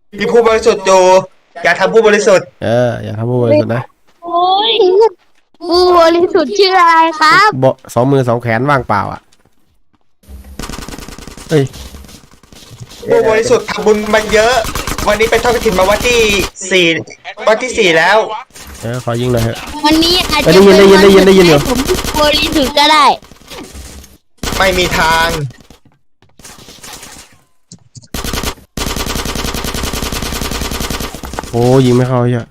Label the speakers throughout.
Speaker 1: มีผู้บริสุทธิ์อยู่อย่าทำผู้บริสุทธิ์
Speaker 2: อย่าทำผู้บริสุทธิ์นะ
Speaker 3: โอ้ยผู้บริสุทธิ์ชื่ออะไรครับ
Speaker 2: สองมือสองแขนว่างเปล่าอ่ะเฮ้ย
Speaker 1: ผู้บริสุทธิ์ทำบุญมาเยอะวันนี้เป็นทอดกฐินมาวันที่สี่แล้ว
Speaker 2: ขอยิงหน่อยเถอะ
Speaker 3: วันนี้อาจจะ
Speaker 2: ได้ยินอยู่
Speaker 3: ผมบริสุทธิ์ก็ได้
Speaker 1: ไม่มีทาง
Speaker 2: โอ้ยิงไม่เข้าเยอะ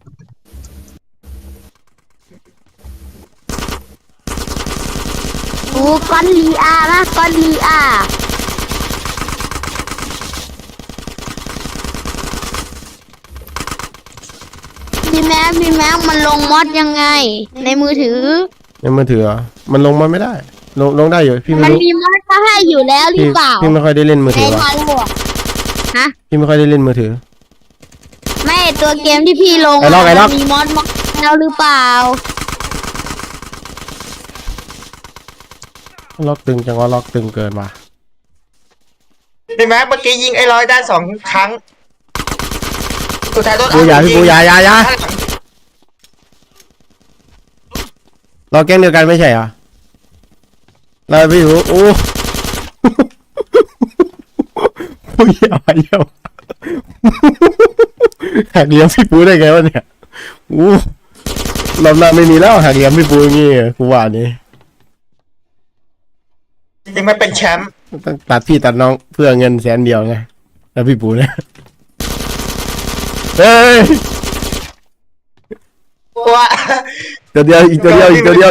Speaker 3: โอ้ก้อนลีอานะก้อนลีอาพี่แม็กมันลงมอดยังไงในมือถือ
Speaker 2: มันลงมาไม่ได้ลงได้อยู่พี่ไม่รู้
Speaker 3: มันมีมอดก็ให้อยู่แล้วหรือเปล่า
Speaker 2: พี่ไม่ค่อยได้เล่นมือถือ
Speaker 3: ในทางโลกฮะ
Speaker 2: พี่ไม่ค่อยได้เล่นมือถือ
Speaker 3: ไม่ตัวเกมที่พี่ลงมีมอดแล้วหรือเปล่า
Speaker 2: ล็อกตึงจังว่าล็อกตึงเกินว่ะ
Speaker 1: พี่แม็กเมื่อกี้ยิงไอ้ร้อยได้2 ครั้งสุดท้ายโดน
Speaker 2: พี่เราแก๊งเดียวกันไม่ใช่เหรอเราพี่หูโอ้ผู้ใหญ่หักเหลี่ยมพี่ปูได้ไงวะเนี่ยอู้รอบหน้าไม่มีแล้วหักเหลี่ยมพี่ปูอย่างงี้กูว่านี่
Speaker 1: ยังไม่เป็นแชมป์
Speaker 2: ต้องตัดพี่ตัดน้องเพื่อเงิน100,000ไงแล้วพี่ปูเนี่ยเฮ้ย
Speaker 1: ว่า
Speaker 2: ตัวเดียวอีกตัวเดียว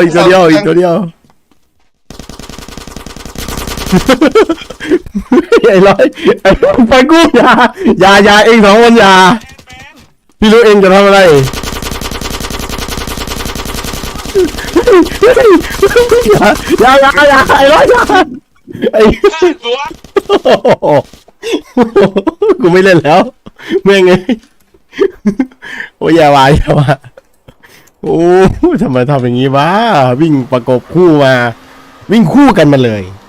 Speaker 2: ไอ้ร้อยไปกู้อย่าเอง2 คนอย่าพี่รู้เองจะทำอะไรอย่าไอ้ร้อยอย่าไอ้กูไม่เล่นแล้วแม่งไงโอ้ยอย่าว่าโอ้ทำไมทำอย่างนี้วะวิ่งประกบคู่มาวิ่งคู่กันมาเลย